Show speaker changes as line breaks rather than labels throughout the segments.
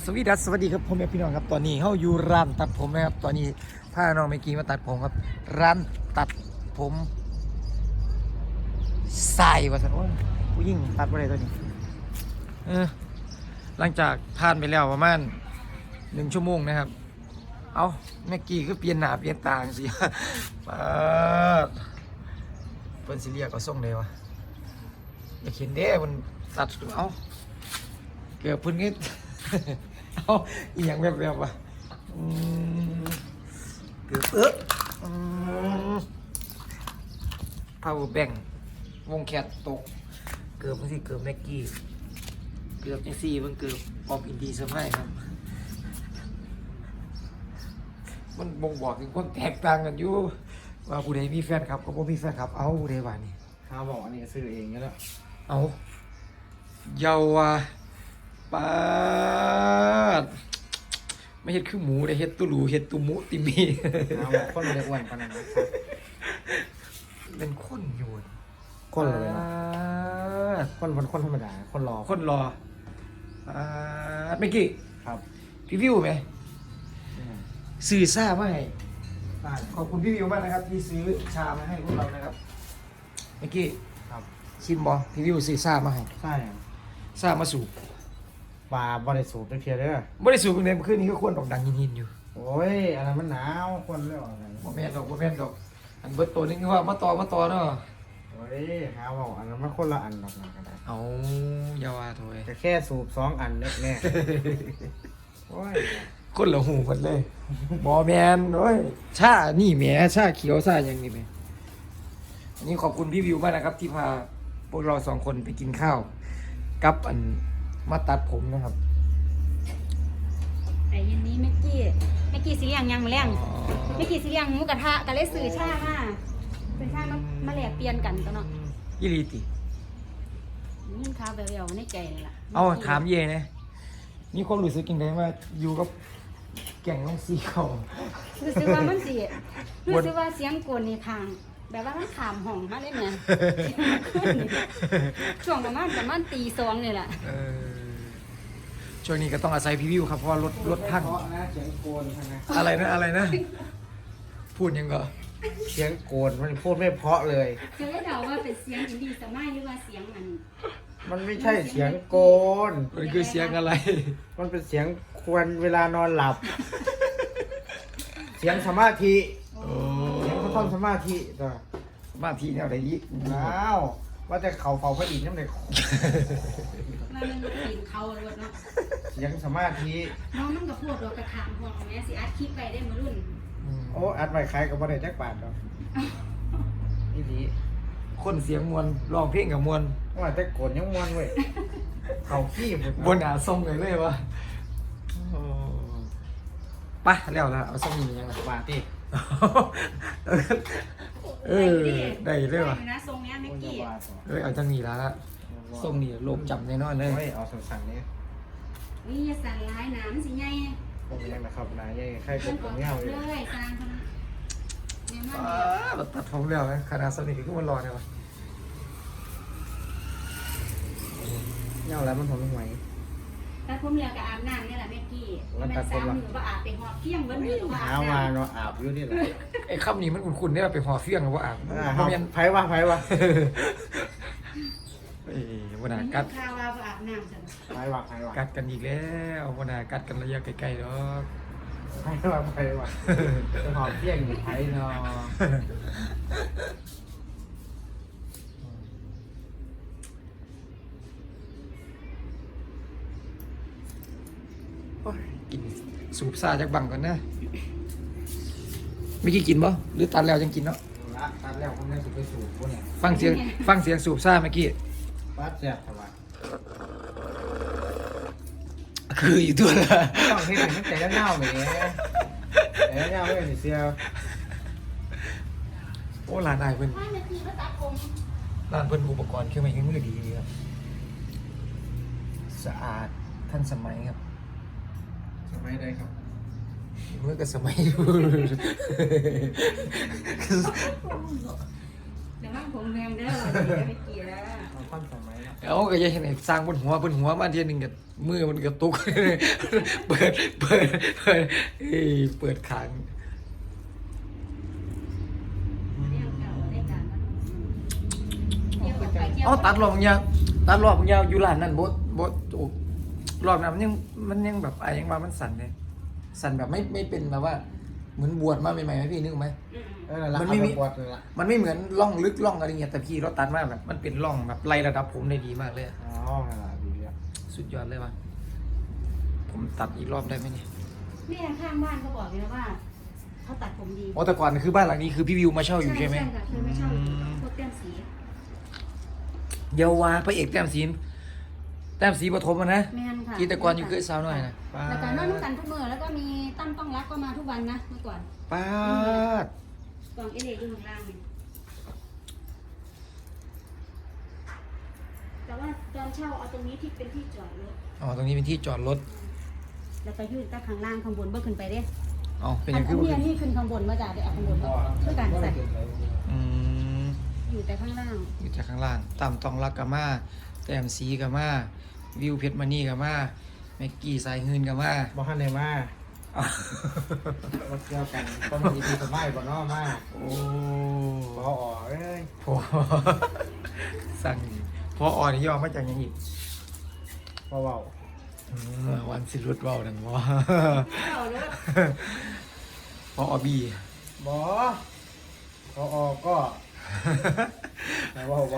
สวัสดีครับพ่อแม่พี่น้องครับตอนนี้เฮาอยู่ร้านตัดผมนะครับตอนนี้พาน้องเมกี้มาตัดผมครับร้านตัดผมสายว่าซั่นโอ้ยผู้หญิงตัดบ่ได้ตัวนี้หลังจากผ่านไปแล้วประมาณ1 ชั่วโมงนะครับเอาเมกี้คือเปลี่ยนหน้าเปลี่ยนตาจังซี่ ป๊าดเพิ่นสิเรียกก็ส่งได้วะอยากเห็นเด้มันตัดเอาเกือบเพิ่นก็ เอาอีหยังแบบวะเกือบpower bank วงแคทตกเกือบบางทีเกือบแม็กกี้เกือบจังซี่มันเกือบออฟอินดีสมัยครับมันบ่งบอกถึงความแตกต่างกันอยู่ว่าผู้ใดมีแฟนครับก็บ่มีแฟนครับเอาผู้ใดว่านี่
ข้าบอกอันนี้ซื้อเองแล้ว
เอาเยาวะปาดไม่เห็ดคือหมูได้เห็ดตุลูเห็ดตุมุติมี
ข้าบอกคนเลยอ้วนขนาดนั้นครับ
เป็นคนอยู่
คนเลยนะคนธรรมดาคนรอ
คนรอเมื่อกี้
ครับ
พี่วิวไหมซื้อซ่ามาให้ขอบคุณพี่วิวมากนะครับที่ซื้อชามาให้พวกเรานะครับเมื่อกี้
ครับ
ชิมบอพี่วิวซื้อซ่ามาให้
ใช่
ซ่ามาสูบ
ปลาบริสุทธิ์เพียเด้อ
ไม่ได้สูบเป็นไงเมื่อคืนนี้ก็ควรดอกดังยินอยู่
โอ้ยอะไรมันหนาวคนเรื่องอะไร
บ่แม่นดอกอันเบิดตัวนึงว่ามาต่อเนาะ
โอ้ยข้าบอกอันนั้นมันคนละอันหรอกนะกันได้
เอาอย่าว่าโถย
แต่แค่สูบ2 อันเล็กแน่โอ้ย
คนละหูกันเลยบ่แม่นโอ้ยชานี่แหมชาเขียวชาอย่างนี้แหมอันนี้ขอบคุณพี่วิวมากนะครับ ที่พาพวกเรา2 คนไปกินข้าวกับอันมาตัดผมนะครับ
แต่เย็นนี้เมื่อกี้สิเลี้ยงยังมาเลี้ยงเมื่อกี้สิเลี้ยงหมูกระทะก็เลยซื้อชามาแลกเปลี่ยนกันตัวเนาะ
ยี่ลีติ
นี่ข้าวเบลๆในใจเลยล่ะ
เอาถามเย่นะมีความรู้สึกยังไงว่าอยู่กับแก่งน้องซีเขา
รู้สึกว่ามันสิรู้สึกว่าเสียงกวนในทาง แบบว่ามันขามห้องมาเลยเนี่ย ช่วงประมาณตี 2นี่แหละ
ช่วงนี้ก็ต้องอาศัยพี่วิวครับเพราะว่ารถพัง
เพราะนะเสียงโกนใช่ไหม
อะไรนะ พูดยังก็
เสียงโกนมันพูดไม่เพราะเลย
จะได้เดาว่าเป็นเสียงอินดีสมัยหรือว่าเสียงมัน
มันไม่ใช่เสียงโกน
มันคือเสียงอะไร
มันเป็นเสียงควรเวลานอนหลับ เสียงสมาธิ
โอ้
เสียงเขาทำสมาธิตัว
สมาธิแนวไหนอีก
ว้าวว่าแต่เขาเฝ้าพระอินทร์นั่นเลย
มันกินเขาเลยเนาะ
เสียงสมาธิ
น้องมันกับพวกเรากระถางห้องแม่สิอัดคลิปไปได้มารุ่น
โอ้อัดไว้ใครกับบ่ได้จักบาทดอกนี่ดี
คนเสียงมวลร้องเพลงกับมวล
ว่าแต่โกนยังม่วนเว้ยเขาขี้หมด
บนหาทรงเลยวะไปแล้วละเอาสักนิดยังไง
บาทที่
ได้เลยวะ
นะทรงเนี้ยเมื่อกี้
บาท
เอาจังนี้ละทรงนี้โลบจำแน่นอนเลย
โอ้ยเอาสั่นๆนี้
นี่สั่นร้ายน้ำสิไง
ผมยังนะครับนายยังใครก
เพิ่
ด
น
ผ
ก็
ม
ขั
เงา
บ
อยู่
เลยสร้างเขาเนี่ยมัน
เราตัดผมแล้วนะขนาดสนิทก็มันรอเนี่ยวะ
เงาแล้วมันผมไม่ไหว
แต่ผมเรียกกับอาบน้ำนี่แหละเมื่อกี้มันสามมือว่าอาบไปหอบเที่ยงวันนี้ว่า
หามาเนาะอาบอยู่นี่แหละ
ไอ้คำนี้มันคุ้นๆเนี่ยไปหอเฟี้ยงหรือว่าอ่าง
ครับไผวะ
วันน่ะ
กั
กั
ด
ด
ข้าวว่าอาบน้ำฉัน
ไผวะ
กัดกันอีกแล้ววันน่ะกัดกันระยะไกลๆดอก
จะหอมเที่ยงอยู่ไผเนาะ
โอ้ยกินสูบซาจากบังก่อนนะไม่กี่กินบ่หรือตัดแล้วยังกินเนาะ
ละตัดแล้วผมได้สุดไปสูบพวกเนี่ย
ฟังเสียงสูบซาเมื่อกี้
ปัดแซ่บทำไม
คืออยู่ตัวละ
ต้องเห็นมันแต่เงาๆแบบนี้แต่เงาไม่เป็นเสีย
โอ้ร้านนายเพิ่น
5 นาทีก็ตัดผม
ร้านเพิ่นอุปกรณ์เครื่องไม้เครื่องมือดีครับสะอาดทันสมัยครับ
สมัยใดครับ
เมื่อก็สมัยอยู่
เดี๋ยวมั่งผมแมงเด้อไม่กี่แล้ว
เอาความสมัยเนาะ
เอาก็อยังเห็นไอ้สร้างบนหัวมาเทียหนึงกับมือมันกระตุก เปิดเปิดขาง
เรียกเก่าได้การเรียกไปเที่ยว
เอาตัดรอบมึงยาวอยู่ร้านนั่นบดโอ้รอบนั้นมันยังแบบอะไรยังว่ามันสั่นเลยสั่นแบบไม่เป็นแบบว่าเหมือนบวชมาใหม่ๆไหมพี่นึกไหม
มันไม่มีปวดเลยละ
มันไม่เหมือนร่องลึกร่องอะไรเงี้ยแต่พี่เราตัดมาแบบมันเป็นร่องแบบไล่ระดับผมได้ดีมากเลยอะ
อ๋อนั่นล่ะดีแล้ว
สุดยอดเลยว่ะผมตัดอีกรอบได้ไหมเนี่ย
แม่ข้างบ้านเขาบอกเลยนะว่าเขาตัดผมดี
อ๋อแต่ก่อนคือบ้านหลังนี้คือพี่วิวมาเช่าอยู่ใช่ไหม
ค่ะเคยมาเช่าอยู่พวกเต้นสี
เยาวาพระเอกแต้มสีปฐมอะนะ
แม่นค่ะ
ที่แต่ก่อนอยู่เคยสาวน้อยนะ
แล้วก็นอนด้วยกันทุกมื้อแล้วก็มีตั้มต้องรักก็มาทุกวันนะเมื่อก่อน
ป้าด
กล่องเอเล็กอยู่ข้างล่างนี่แต่ว่าตอนเช่าเอาตรงนี้ที่เป็นที่จอดรถ
อ๋อตรงนี้เป็นที่จอดรถ
แล้วก็ยื่นตาข้างล่างข้างบนเบิ่ขึ้นไปเด้
อ๋อเป็นอ
อั
ย่างคือ
นี้ขึ้นข้างบนมาจากได้เอาข้างบนมาช่วยกันใส่
อืม
อยู่แต่ข้างล่าง
อยู่จากข้างล่างต่ำตองรักกับมาแต้มสีกับมาวิวเพชรมณีกับมาแม็กกี้สายหืนกับมา
บ่ฮันได้มาบ่เกี่ยวกันก็มีที่สมัยบ่เนาะมา
โอ้
บ่ออกเอ้ย
พอ สั่งพออ่อนย่อมาจากหยังอีก
บ่เว้า
วันสิรุดเบาดังว่า
เอารถ
พออบี
บ่บ่ออกก็ไหนว่าบ่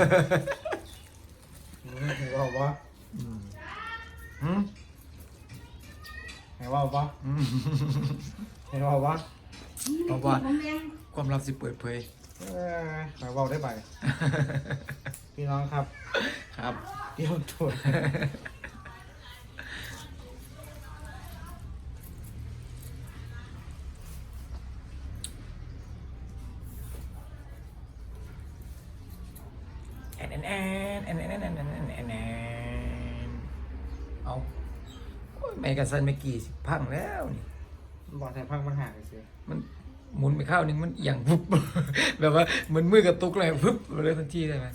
ไหนว่าบ่
อืมหืม
ไหนว่าบ่
อืม
ไหนว่าบ่
เอาว่า
ผมยัง
ความลับสิเปิดเผย
ไหนว่าได้ไปพี่น้องครับ
ครับ
เตรียมตัว
แอนเอาโอ้ยไม่กันสันไม่กี่สิพังแล้วนี่
บอกแต่พังมันห่างไปสิ
มันหมุนไปข้าวหนึงมันเอียงปุ๊บ แบบว่าเหมือนมือกระตุกเลยปุ๊บเลยทันทีได้ไหม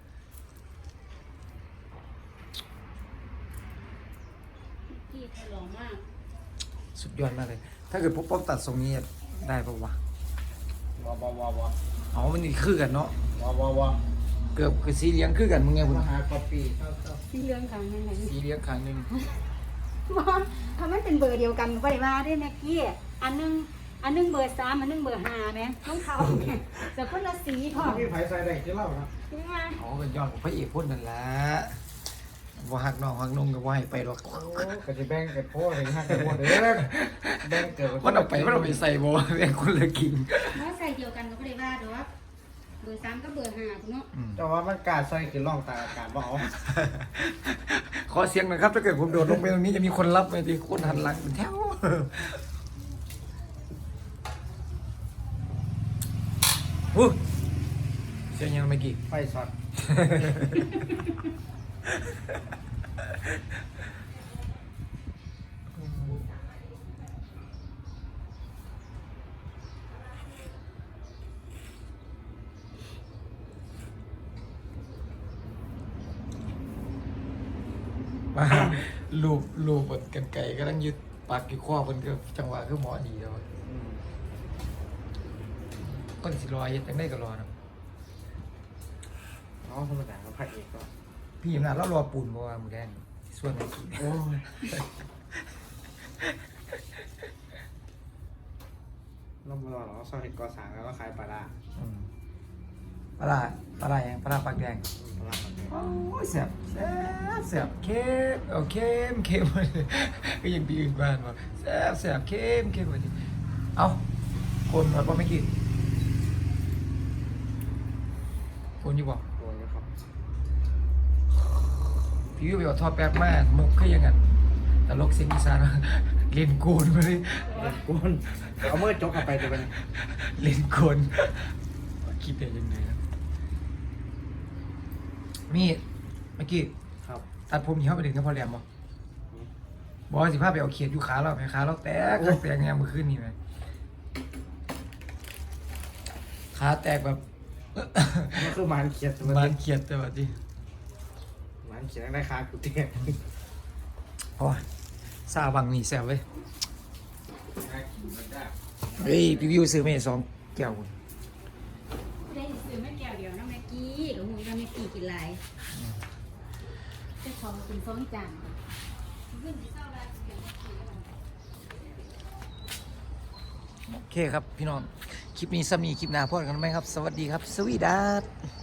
พี่ทะเลาะมาก
สุดยอดมากเลย ถ้าเกิดพบป๊อปตัดทรงนี้ได้ปะวะ
บ่
อ๋อมันนี่คือกันเนาะ
บ่
เกือบคือสีเหลี้ยงคือกันมึงไงบุญ
มาหาคอปปี้
ที่เรื่องทางนั้นไหน
สีเหลี้ยงครั้งหนึง
ว่าถ้ามันเป็นเบอร์เดียวกันก็ได้ว่าได้แม็กกี้อันนึงเบอร์3อันนึงเบอร์5แม่ต้องเขาเนี่ยแต่คนละสีพอ
พี่ไผ่ใส่ได้ที่เล่านะ
ใช่ไหม
อ๋อเป็นยอดของพระเอกพ่นนั่นแหละว่าหักน้องหักนงก็ว่าให้ไปหรอก
โอ้ก็จะแบ่งกันโพดเลยฮะกันโพดเด้อแบ่งเกิด
มันเอาไปใส่บ่แบ่งคนละกิน
ว่าใส่เดียวกันก็ไม่ได้ว่าเดี๋ยวว่าเบอร์3กับเบอร์5คุณเนาะ
แต่ว่ามันกาดใส่คือร่องตาอากาศบ่เอา
ขอเสียงหน่อยครับถ้าเกิดผมโดดลงไปตรงนี้จะมีคนรับไหมทีคนหันหลังเป็นแถวเสียงยังไม่กี่
ไฟช็อต
มาลูบดกันไก่ก็ต้องยึดปากกี่ข้อมันก็จังหวะคือหมอดีแล้วต้นสิรอยังได้ก็รอนะ
อ๋อธรรมดาเขาพระเอกก็
พี่อำนาจแล้วรอปูนเพราะว่ามือแดงส่วนไหนกิน
โอ้ยเราไม่รอหรอกซอยเห็ดกอสางแล้วก็ขายปลาร้า
ปลายังปลาปากแดง
ปลาร้าแบบนี้
โอ้ยแสบเข้มเอาเข้มก็ยังปีอื่นบ้านว่าแสบเข้มไปทีเอาคนมาเพราะไม่กินคนอยู่บอก
โดนนะครับ
พี่วิวไปเอาทอดแป๊บมากมุกคือยังไงแต่ลกเสียงอีสานเล่นโกนมาเลย
ก้นเอาเมื่อจกเข้าไปจะเป็น
เล่นโกนคิดได้ยังไงนะมีเมื่อกี้
ครับ
ตัดผมยี่ห้อไปถึงกับพอแหลมบ่บอกว่าสิพาไปเอาเขียดอยู่ขาเราไหมขาเราแตกไงเมื่อคืนนี่ไหมขาแตกแบบ
มันคือหมันเขียดตัว
บ้าน
นี้
เขียดแต่ว่าที่
หมันเขียดได้คากูเตี้ย
โอ้ยซาบังนี่แซ่บเว้ยเฮ้ยพี่วิวซื้อมาให้2 แก้วคุณ
ได้ซื้อไม่แก้วเดียวนะแม็กกี้กับหูว่าแม็กกี้กินหลายเจ้าของกิน2 จานขึ้นไปเศร้าได้กินแม็กกี้แล้ว
โอเคครับพี่น้องคลิปนี้ซ้ำนี้คลิปหน้าพอกันไหมครับ สวัสดีครับ สวีดัส